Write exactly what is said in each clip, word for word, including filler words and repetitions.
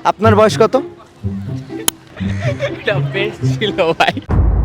আপনার বয়স কত? এটা বেস্ট ছিল ভাই।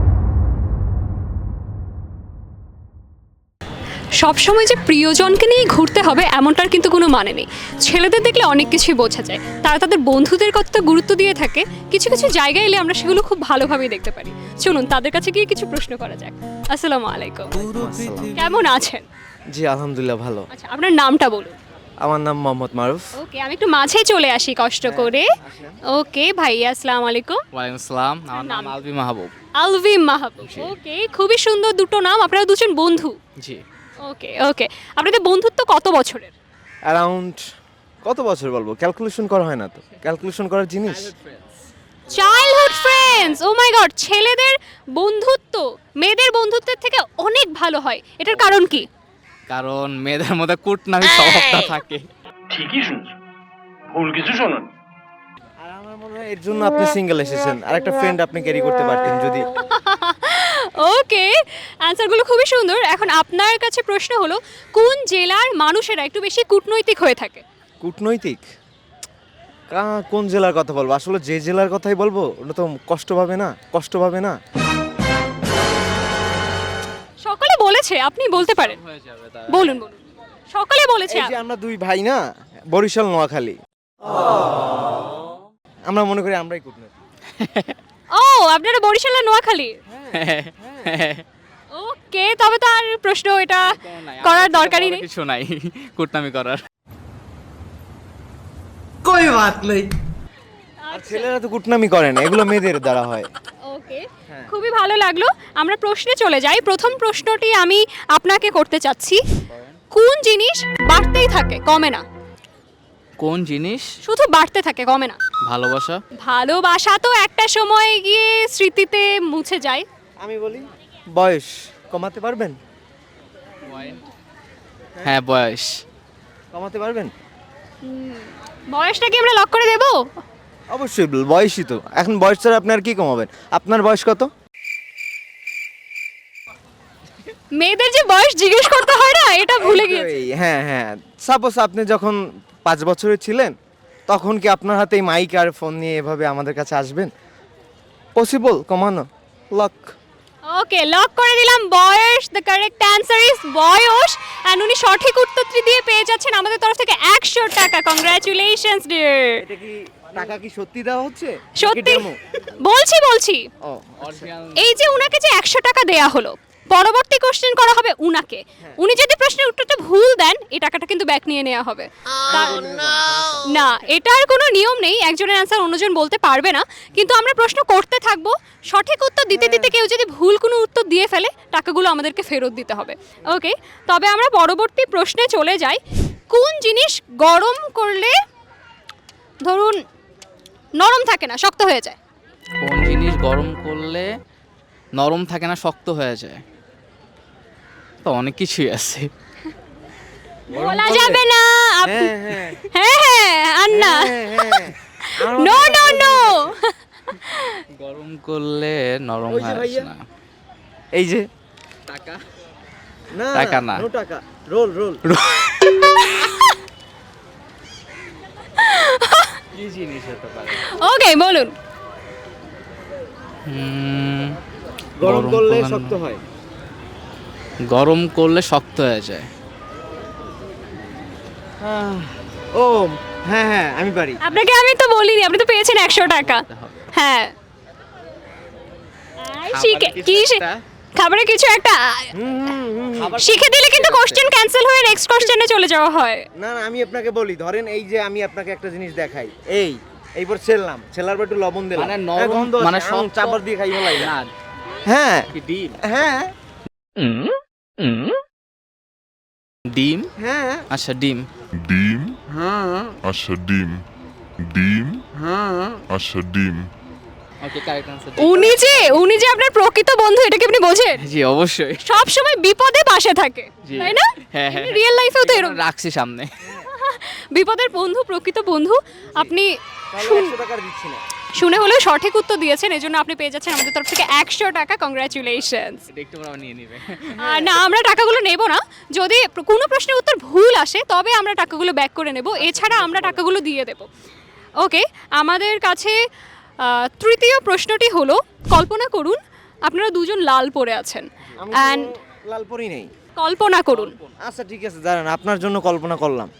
সবসময় যে প্রিয়জনকে নিয়ে ঘুরতে হবে এমনটার কিন্তু কোনো মানে নেই। ছেলেদের দেখলে অনেক কিছুই বোঝা যায়, তারা তাদের বন্ধুদের কতটা গুরুত্ব দিয়ে থাকে, কিছু কিছু জায়গায় এলে আমরা সেগুলো খুব ভালোভাবেই দেখতে পারি। চলুন তাদের কাছে গিয়ে কিছু প্রশ্ন করা যাক। আসসালামু আলাইকুম, কেমন আছেন? জি আলহামদুলিল্লাহ ভালো। আচ্ছা, আপনার নামটা বলুন। আমার নাম মোহাম্মদ মারুফ। ওকে, আমি একটু মাঝে চলে আসি কষ্ট করে। ওকে ভাইয়া, আসসালামু আলাইকুম। ওয়ালাইকুম আসসালাম, আমার নাম নাম? আলবি মাহবুব। আলভি মাহবুব। ওকে, খুবই সুন্দর দুটো নাম। আপনারা দুজন বন্ধু? জি। ওকে ওকে, আপনাদের বন্ধুত্ব কত বছরের? অ্যারাউন্ড কত বছর বলবো, ক্যালকুলেশন করা হয় না তো, ক্যালকুলেশন করার জিনিস। Childhood friends. Oh my god, ছেলেদের বন্ধুত্ব মেয়েদের বন্ধুত্বের থেকে অনেক ভালো হয়, এটার কারণ কি? কারণ মেয়েদের মধ্যে কুটনামি স্বভাবটা থাকে। ঠিকই শুনছো, ভুল কিছু শোনো। আর আমার মনে হয় এর জন্য আপনি সিঙ্গেল এসেছেন, আর একটা ফ্রেন্ড আপনি ক্যারি করতে পারতেন যদি। ওকে, অ্যান্সারগুলো খুবই সুন্দর। এখন আপনার কাছে প্রশ্ন হলো, কোন জেলার মানুষেরা একটু বেশি কূটনৈতিক হয়ে থাকে? কূটনৈতিক কা- কোন জেলার কথা বলবো? আসলে যে জেলার কথাই বলবো ওটা তো কষ্ট পাবে না, কষ্ট পাবে না। সকলে বলেছে, আপনি বলতে পারেন। হয়ে যাবে তার। বলুন বলুন, সকলে বলেছে। এই যে আমরা দুই ভাই না, বরিশাল নোয়াখালী, আমরা মনে করি আমরাই কূটনৈতিক। ও, আপনারা বরিশাল আর নোয়াখালী? ওকে, তবে তো আর প্রশ্ন এটা করার দরকারই নেই। কিছু নাই কুটনামি করার। আর ছেলেরা তো কূটনামি করে না, এগুলো মেয়েদের দ্বারা হয়। ওকে, খুবই ভালো লাগলো। আমরা প্রশ্নে চলে যাই। প্রথম প্রশ্নটি আমি আপনাকে করতে চাচ্ছি, কোন জিনিস বাড়তেই থাকে কমে না? কোন জিনিস? শুধু বাড়তে থাকে, কমে না। ভালোবাসা। ভালোবাসা তো একটা সময় গিয়ে স্মৃতিতে মুছে যায়। আমি বলি বয়স কমাতে পারবেন? হ্যাঁ, বয়স। কমাতে পারবেন? বয়সটা কি আমরা লক করে দেব? অবশ্যই বল, বয়সই তো। এখন বয়স ছাড়া আপনি আর কি কমাবেন? আপনার বয়স কত? মেয়েদের যে বয়স জিজ্ঞেস করতে হয় না, এটা ভুলে গিয়েছি। এই, হ্যাঁ হ্যাঁ, সাপোজ আপনি যখন পাঁচ বছরের ছিলেন, তখন কি আপনার হাতে এই মাইক আর ফোন নিয়ে এভাবে আমাদের কাছে আসবেন? পসিবল কমানো? লক। ওকে, লক করে দিলাম বয়স। দ্য কারেক্ট অ্যান্সার ইজ বয়স। অ্যান্ড উনি সঠিক উত্তরটি দিয়ে পেয়ে যাচ্ছেন আমাদের তরফ থেকে একশো টাকা। Congratulations dear. এটা কি টাকা কি সত্যি দেওয়া হচ্ছে? সত্যি বলছি বলছি ও, এই যে উনাকে যে একশো টাকা দেয়া হলো, পরবর্তী কোশ্চেন করা হবে উনাকে। উনি যদি প্রশ্নের উত্তরটা ভুল দেন, এই টাকাটা কিন্তু ব্যাক নিয়ে নেওয়া হবে। তা- না, এটার কোনো নিয়ম নেই, একজনের অ্যান্সার অন্যজন বলতে পারবে না। কিন্তু আমরা প্রশ্ন করতে থাকবো, সঠিক উত্তর দিতে দিতে কেউ যদি ভুল কোনো উত্তর দিয়ে ফেলে, টাকাগুলো আমাদেরকে ফেরত দিতে হবে। ওকে, তবে আমরা পরবর্তী প্রশ্নে চলে যাই। কোন জিনিস গরম করলে ধরুন নরম থাকে না, শক্ত হয়ে যায়? কোন জিনিস গরম করলে নরম থাকে না, শক্ত হয়ে যায়? তো অনেক কিছুই আছে। বলা যাবে না। আপ- হ্যাঁ হ্যাঁ হ্যাঁ হ্যাঁ, আর না। হ্যাঁ, হ্যাঁ। আমার নো নো নো, গরম করলে নরম ওই যে হয় ভাইয়া। না। এই যে টাকা। না টাকা না। নো টাকা, রোল রোল। কি জিনিস হতে পারে? ওকে বলুন। হুম, গরম করলে করলে- শক্ত হয়। গরম করলে শক্ত হয়ে যায়। আহ, ও হ্যাঁ হ্যাঁ, আমি পারি। আপনাকে আমি তো বলিনি, আপনি তো পেয়েছেন একশো টাকা। হ্যাঁ, আর শিখে খাবারের কি কিছু শি- একটা? খাবারের কিছু একটা হুম, হুম, হুম, হুম। শিখে দিলে কিন্তু কোশ্চেন ক্যান্সেল হয়ে নেক্সট কোশ্চেনে চলে যাওয়া হয়। না না, আমি আপনাকে বলি, ধরেন এই যে আমি আপনাকে একটা জিনিস দেখাই, এই এইবার ছেললাম, ছেলার পর একটু লবণ দিলাম, মানে হ্যাঁ, নরম, গন্ধ মানে মানে সব শক্ত- চাপড় দিয়ে খাই ফেলাই না, হ্যাঁ কি ডিম? হ্যাঁ ডিম? হ্যাঁ আচ্ছা, ডিম। ডিম হ্যাঁ আচ্ছা ডিম ডিম হ্যাঁ। আচ্ছা ডিম ওকে, কারেক্ট আনসার। উনি যে উনি যে আপনার প্রকৃত বন্ধু, এটা কি আপনি বোঝেন? জি, অবশ্যই। সব সময় বিপদে পাশে থাকে, জি। তাই না? হ্যাঁ, হ্যাঁ, রিয়েল লাইফেও তো এরকম রাখছি সামনে। বিপদের বন্ধু, প্রকৃত বন্ধু। আপনি তাহলে একশো টাকার দিচ্ছি না। শুনে হলেও সঠিক উত্তর দিয়েছেন, এজন্য আপনি পেয়ে যাচ্ছেন আমাদের তরফ থেকে একশো টাকা। কংগ্রাচুলেশনস। এটা একটু পর আবার নিয়ে নিবে। আর না, আমরা টাকাগুলো নেব না। যদি কোনো প্রশ্নের উত্তর ভুল আসে তবে আমরা টাকাগুলো ব্যাক করে নেব, এছাড়া আমরা টাকাগুলো দিয়ে দেব। ওকে, আমাদের কাছে আহ, তৃতীয় প্রশ্নটি হলো, কল্পনা করুন আপনারা দুজন লাল পরে আছেন আমি অ্যান্ড কোনো লাল পরি নেই। কল্পনা করুন আচ্ছা ঠিক আছে, দাঁড়ান, আপনার জন্য কল্পনা করলাম।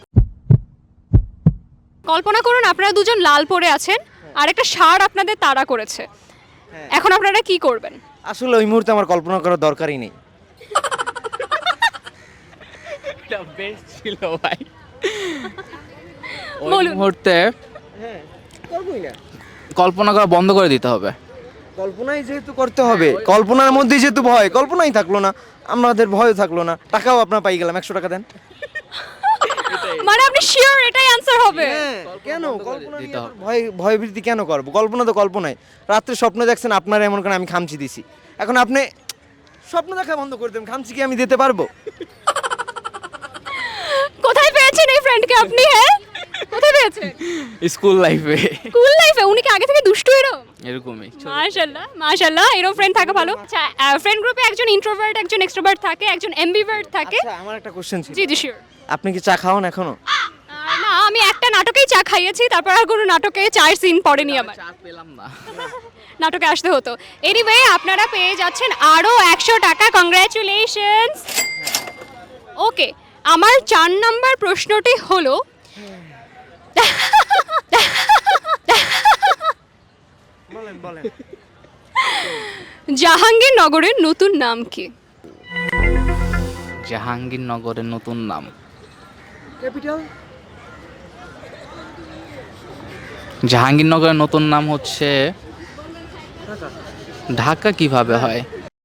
কল্পনা করুন আপনারা দুজন লাল পরে আছেন আর একটা ষাঁড় আপনাদের তাড়া করেছে। হ্যাঁ। এখন আপনারা কি করবেন? আসলে ওই মুহূর্তে আমার কল্পনা করার দরকারই নেই। এটা বেস্ট ছিল ভাই। ওই বলুন। মুহূর্তে হ্যাঁ, করবই না। কল্পনা করা বন্ধ করে দিতে হবে। কল্পনাই যেহেতু করতে হবে, কল্পনার মধ্যে যেহেতু ভয়, কল্পনাই থাকলো না, আমাদের ভয়ও থাকলো না, টাকাও আপনার পাই গেলাম, একশো টাকা দেন। মানে আপনি শিওর এটাই অ্যান্সার হবে? হ্যাঁ, কেন বন্ধ করে কল্পনা দিতে নিয়ে হবে। এত ভয় ভয়ভীতি কেন করবো? কল্পনা তো কল্পনাই। রাত্রে স্বপ্ন দেখছেন আপনারা, এমন করে আমি খামচি দিছি, এখন আপনি স্বপ্ন দেখা বন্ধ করে দেন, খামচি কি আমি দিতে পারবো? কোথায় পেয়েছেন এই ফ্রেন্ডকে আপনি? হ্যাঁ, কোথায় পেয়েছেন? স্কুল লাইফে স্কুল লাইফে? উনি কি আগে থেকে দুষ্টু এরকম? এরকমই। মাশাআল্লাহ মাশাআল্লাহ, এরকম ফ্রেন্ড থাকা ভালো। আচ্ছা, ফ্রেন্ড গ্রুপে একজন ইন্ট্রোভার্ট, একজন এক্সট্রোভার্ট থাকে, একজন এমবিভার্ট থাকে। আচ্ছা, আমার একটা কোশ্চেন ছিল, জি জি শিওর। আপনি কি চা খাওয়ান এখনো? না, আমি একটা নাটকেই চা খাইয়েছি, তারপর আর কোনো নাটকে চায়ের সিন পড়েনি আমার। চা পেলাম না। নাটকে আসতে হতো। এনিওয়ে, আপনারা পেয়ে যাচ্ছেন আরো একশো টাকা। কংগ্রাচুলেশনস। ওকে, আমার চার নাম্বার প্রশ্নটি হলো, বলেন বলেন। জাহাঙ্গীরনগরের নতুন নাম কি? জাহাঙ্গীরনগরের নতুন নাম ক্যাপিটাল? জাহাঙ্গীরনগরের নতুন নাম হচ্ছে ঢাকা। কিভাবে হয়?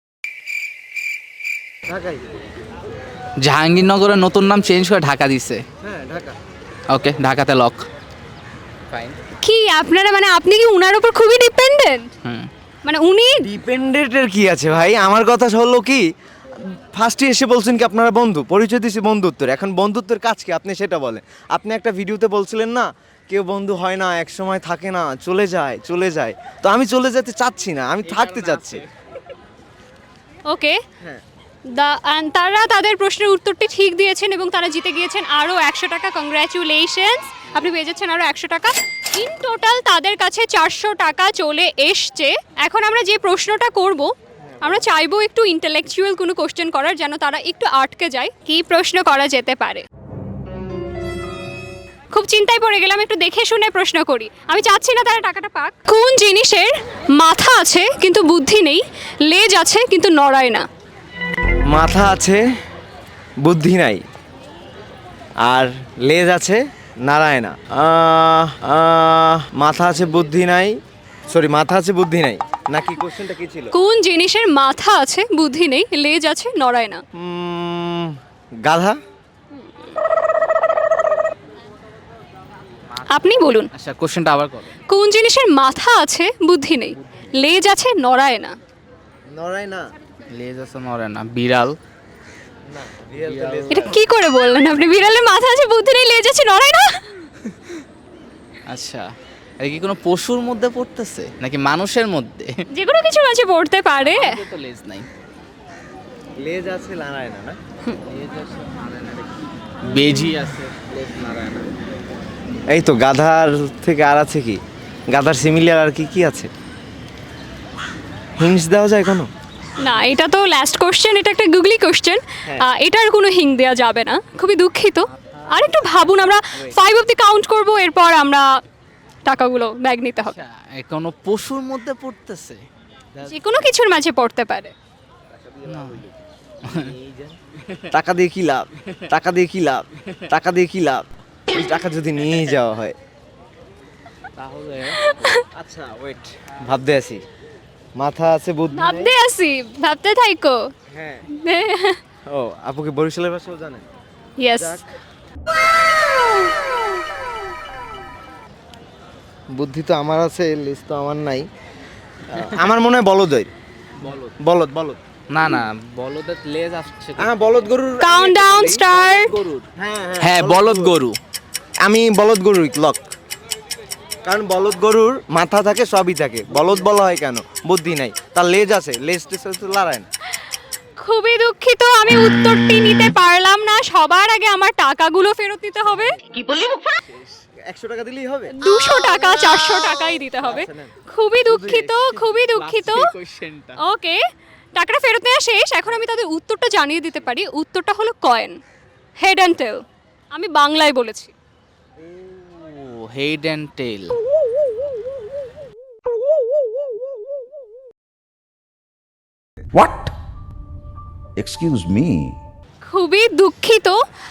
ঢাকাই। জাহাঙ্গীরনগরের নতুন নাম চেঞ্জ করে ঢাকা দিছে। হ্যাঁ, ঢাকা। ওকে, ঢাকাতে লক। ফাইন। কি আপনারা, মানে আপনি কি উনার উপর খুবই ডিপেন্ডেন্ট? হুম। মানে উনি ডিপেন্ডেন্টের কি আছে ভাই? আমার কথা হলো কি, ফার্স্টে এসে বলছেন কি আপনারা বন্ধু, পরিচয় দিয়েছি বন্ধুত্বের, এখন বন্ধুত্বের কাজ কি আপনি সেটা বলেন। আপনি একটা ভিডিওতে বলছিলেন না, কেউ বন্ধু হয় না, এক সময় থাকে না, চলে যায় চলে যায়। তো আমি চলে যেতে চাচ্ছি না, আমি থাকতে চাচ্ছি। ওকে, হ্যাঁ। দা- and তারা তাদের প্রশ্নের উত্তরটি ঠিক দিয়েছেন এবং তারা জিতে গিয়েছেন আরও একশো টাকা। কংগ্রাচুলেশনস, আপনি পেয়ে যাচ্ছেন আরও একশো টাকা। ইন টোটাল তাদের কাছে চারশো টাকা চলে এসছে। এখন আমরা যে প্রশ্নটা করব, আমরা চাইবো একটু ইন্টেলেকচুয়াল কোনো কোশ্চেন করার, যেন তারা একটু আটকে যায়। কি প্রশ্ন করা যেতে পারে? খুব চিন্তায় পড়ে গেলাম, একটু দেখে শুনে প্রশ্ন করি। আমি চাচ্ছি না তারা টাকাটা পাক। কোন জিনিসের মাথা আছে কিন্তু বুদ্ধি নেই, লেজ আছে কিন্তু নড়ায় না? মাথা আছে, বুদ্ধি নাই, আর লেজ আছে, নারায় না। আহ, আহ, মাথা আছে বুদ্ধি নাই, সরি মাথা আছে বুদ্ধি নাই, নাকি কোশ্চেনটা কি ছিল? কোন জিনিসের মাথা আছে বুদ্ধি নেই, লেজ আছে নড়ায় না? উম, গাধা। আপনি বলুন। আচ্ছা, কোশ্চেনটা আবার করো। কোন জিনিসের মাথা আছে বুদ্ধি নেই, লেজ আছে নড়ায় না? নড়াই না। লেজ আছে নড়ে না। বিড়াল। না, real তো লেজ এটা না। কি করে বললেন আপনি? বিড়ালের মাথা আছে বুদ্ধি নেই, লেজ আছে নড়ায় না? আচ্ছা, এটা কি কোনো পশুর মধ্যে পড়তেছে নাকি মানুষের মধ্যে? যে কোনো কিছু মাঝে পড়তে পারে। আমাদের তো লেজ নাই। লেজ আছে, নাড়ায় না, না? লেজ আছে নাড়ে না রে। বেজি আছে, লেজ নাড়ে না। এই তো গাধার থেকে আর আছে কি? গাধার সিমিলার আর কি কি আছে? হিংস দেওয়া যায় কোনো? না, এটা তো লাস্ট কোশ্চেন, এটা একটা গুগলি কোশ্চেন। হ্যাঁ। এটার কোনো হিং দেওয়া যাবে না, খুবই দুঃখিত। আর একটু ভাবুন, আমরা ফাইভ অব্দি কাউন্ট করব, এরপর আমরা টাকাগুলো ব্যাগ নিতে হবে। আচ্ছা, এ কোনো পশুর মধ্যে পড়তেছে? যে কোনো কিছুর মাঝে পড়তে পারে। টাকা দিয়ে কি লাভ? টাকা দিয়ে কি লাভ? টাকা দিয়ে কি লাভ? এই টাকা যদি নিয়ে যাওয়া হয় তাহলে আচ্ছা ওয়েট, ভাবতে আছি। মাথা আছে বুদ্ধি নেই। ভাবতে আসি, ভাবতে থাইকো। হ্যাঁ। ও, আপুকে বরিশালের ভাষাও জানেন? ইয়েস। যাক। বুদ্ধি তো আমার আছে, লেজ তো আমার নাই। আহ, আমার মনে হয় বলদই। বলদ। বলদ বলদ। না না, বলদের লেজ আসছে তো। হ্যাঁ, বলদ গরুর। Countdown start. গরুর। হ্যাঁ হ্যাঁ, বলদ গরু। আমি বলদ গরুই লক, কারণ বলদ গরুর মাথা থাকে, সবই থাকে, বলদ বলা হয় কেন? বুদ্ধি নাই, তার লেজ আছে, লেজ টেজ তো লড়ায় না। খুবই দুঃখিত, আমি উত্তরটি নিতে পারলাম না। সবার আগে আমার টাকাগুলো ফেরত দিতে হবে। একশো টাকা দিলেই হবে? দুশো টাকা চারশো টাকাই দিতে হবে। আচ্ছা, নেন। খুবই দুঃখিত, খুবই দুঃখিত। কোশ্চেনটা ওকে, টাকাটা ফেরত নেওয়া শেষ। এখন আমি তাদের উত্তরটা জানিয়ে দিতে পারি। উত্তরটা হলো কয়েন, হেড অ্যান্ড টেল। আমি বাংলায় বলেছি। Oh head and tail. What? Excuse me. খুবই দুঃখিত।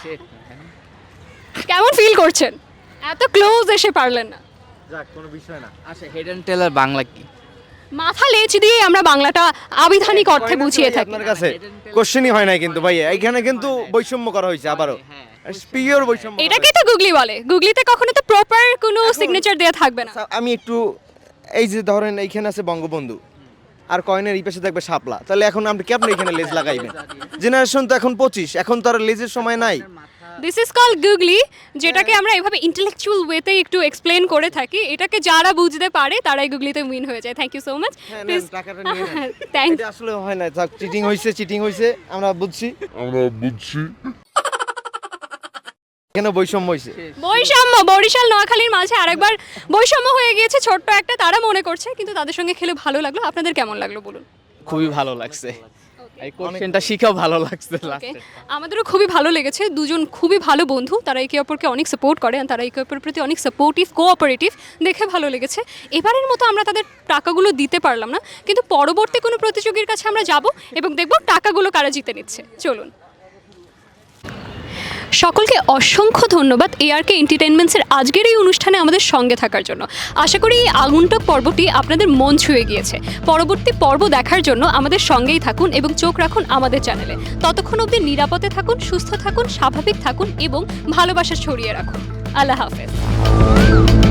কেমন ফিল করছেন? এত ক্লোজ এসে পারলেন না। যাক, কোনো বিষয় না। আচ্ছা হেড অ্যান্ড টেলের বাংলা কি? মাথা লেচ দিয়ে আমরা বাংলাটা আবিধানিক অর্থে বুঝিয়ে থাকি। আপনার কাছে কোশ্চেনই হয় নাই কিন্তু ভাই, এখানে কিন্তু বৈষম্য করা হয়েছে আবারও, পিওর বৈষম্য। এটাকেই তো গুগলি বলে। গুগলিতে কখনো তো প্রপার কোনো সিগনেচার দেওয়া থাকবে না। আচ্ছা, আমি একটু এই যে ধরেন এইখানে আছে বঙ্গবন্ধু আর কয়েনের এই পাশে থাকবে শাপলা, তাহলে এখন আপনি কেমন এখানে লেজ লাগাইবেন? জেনারেশন তো এখন পঁচিশ, এখন তো আর লেজের সময় নাই। দিস ইজ কল গুগলি, যেটাকে আমরা এভাবে ইন্টেলেকচুয়াল ওয়েতে একটু এক্সপ্লেন করে থাকি। এটাকে যারা বুঝতে পারে তারাই গুগলিতে উইন হয়ে যায়। Thank you so much. হ্যাঁ, নেন, প্লিজ টাকাটা নিয়ে নেন। থ্যাংক এটা আসলে হয় না, চিটিং হয়েছে, চিটিং হয়েছে, আমরা বুঝছি, আমরা বুঝছি। এখানে বৈষম্য হয়েছে। বৈষম্য বরিশাল নোয়াখালীর মাঝে আরেকবার বৈষম্য হয়ে গিয়েছে ছোট্ট একটা, তারা মনে করছে। কিন্তু তাদের সঙ্গে খেলে ভালো লাগলো। আপনাদের কেমন লাগলো বলুন? খুবই ভালো লাগছে, এই কোশ্চেনটা শিখেও ভালো লাগছে ওকে, লাস্টে। আমাদেরও খুবই ভালো লেগেছে। দুজন খুবই ভালো বন্ধু, তারা একে অপরকে অনেক সাপোর্ট করে, আর তারা একে অপরের প্রতি অনেক সাপোর্টিভ, কোঅপারেটিভ, দেখে ভালো লেগেছে। এবারের মতো আমরা তাদের টাকাগুলো দিতে পারলাম না, কিন্তু পরবর্তী কোনো প্রতিযোগীর কাছে আমরা যাব এবং দেখব টাকাগুলো কারা জিতে নিচ্ছে। চলুন। সকলকে অসংখ্য ধন্যবাদ এআরকে এন্টারটেইনমেন্টসের আজকের এই অনুষ্ঠানে আমাদের সঙ্গে থাকার জন্য। আশা করি এই আগন্তুক পর্বটি আপনাদের মন ছুঁয়ে গিয়েছে। পরবর্তী পর্ব দেখার জন্য আমাদের সঙ্গেই থাকুন এবং চোখ রাখুন আমাদের চ্যানেলে। ততক্ষণ অবধি নিরাপদে থাকুন, সুস্থ থাকুন, স্বাভাবিক থাকুন এবং ভালোবাসা ছড়িয়ে রাখুন। আল্লাহ হাফেজ।